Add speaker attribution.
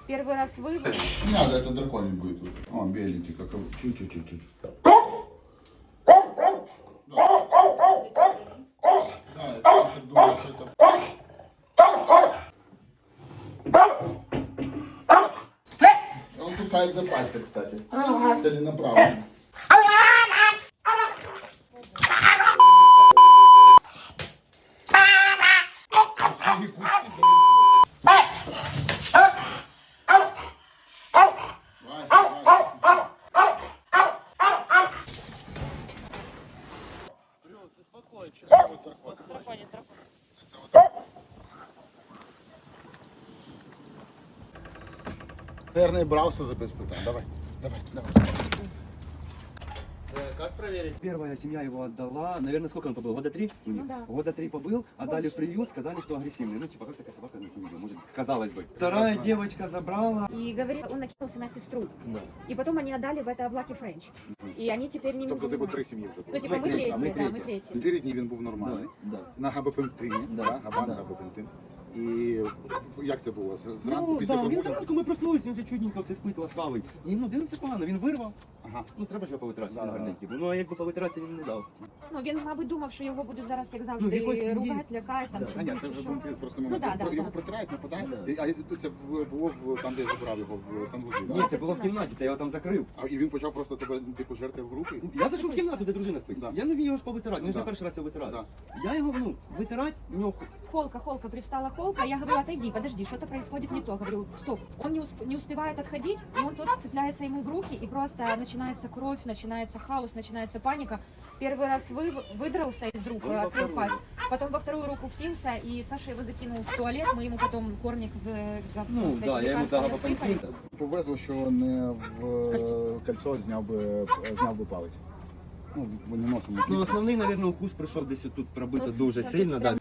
Speaker 1: Первый раз вы...
Speaker 2: Не надо, это драконий будет. Он беленький, как чуть-чуть. Да, я тоже думаю, что это... Он кусает за пальцы, кстати. Целенаправленно. Наверное, брался за беспытание. Давай.
Speaker 3: Как проверить?
Speaker 4: Первая семья его отдала, наверное, сколько он побыл? Года 3?
Speaker 1: Ну да.
Speaker 4: Года 3 побыл, отдали в приют, сказали, что агрессивный. Ну, типа, как такая собака, ну, может, казалось бы. Вторая девочка забрала.
Speaker 1: И говорит, он накинулся на сестру.
Speaker 4: Да.
Speaker 1: И потом они отдали в это в Lucky French. И они теперь не
Speaker 2: Тобто, типу, 3 сім'ї вже
Speaker 1: Ну,
Speaker 2: було.
Speaker 1: типа, мы
Speaker 4: третья,
Speaker 1: третьи,
Speaker 4: мы
Speaker 1: да, мы
Speaker 4: третья.
Speaker 1: третьи.
Speaker 2: 4 дні він був нормальний.
Speaker 4: Да.
Speaker 2: На габапентині,
Speaker 4: Да.
Speaker 2: да, габан
Speaker 4: Да.
Speaker 2: габапентин. І як це було? Зранку
Speaker 4: Ну,
Speaker 2: після
Speaker 4: да, він
Speaker 2: пробудження?
Speaker 4: зранку ми проснулися, він вже чудненько все спитував, славий. І, ну, дивимося погано, він вирвав.
Speaker 2: Ага.
Speaker 4: Ну, треба ж його повитратися,
Speaker 2: Да,
Speaker 4: він
Speaker 2: да.
Speaker 4: гарненький був. Ну, а якби повитратися він не дав.
Speaker 1: Ну, він, мабуть, думав, що його будуть зараз, як
Speaker 4: Ну, в
Speaker 1: завжди,
Speaker 4: якоїсь сім'ї.
Speaker 1: ругати, лякати, там,
Speaker 4: Да.
Speaker 1: чи
Speaker 2: А ні,
Speaker 1: більше
Speaker 2: це вже
Speaker 1: що.
Speaker 2: був просто
Speaker 1: Ну,
Speaker 2: момент.
Speaker 1: да, да,
Speaker 2: Його
Speaker 1: да.
Speaker 2: протирають, нападають.
Speaker 4: Да.
Speaker 2: А це було там, де я забрав його в санвузлі,
Speaker 4: Ні,
Speaker 2: да?
Speaker 4: це було в кімнаті, це я його там закрив.
Speaker 2: А і він почав просто тебе, типу, жерти в руки?
Speaker 4: Я зайшов в кімнату, де дружина спить.
Speaker 2: Да.
Speaker 4: Я не вмію його ж повитирати, він ж
Speaker 2: Да.
Speaker 4: не перший раз його витирати.
Speaker 2: Да.
Speaker 4: Я його, ну, витирати, в нього
Speaker 1: Холка, привстала Холка, я говорю, отойди, подожди, что-то происходит не то. Говорю, стоп. Он не успевает отходить, и он тут вцепляется ему в руки, и просто начинается кровь, начинается хаос, начинается паника. Первый раз выдрался из рук, открыл пасть. Потом во вторую руку впился, и Саша его закинул в туалет, мы ему потом корник
Speaker 4: ну,
Speaker 1: с
Speaker 4: да,
Speaker 1: этим
Speaker 4: я йому
Speaker 1: лекарством
Speaker 4: дав
Speaker 1: насыпали.
Speaker 4: габапентин.
Speaker 2: Повезло, що не в кольцо зняв би палець. Ну, ми не носимо
Speaker 4: Ну,
Speaker 2: кільця.
Speaker 4: основний, мабуть, укус прийшов десь тут пробито
Speaker 1: Тут,
Speaker 4: дуже
Speaker 1: тут
Speaker 4: сильно. Да.
Speaker 1: прям.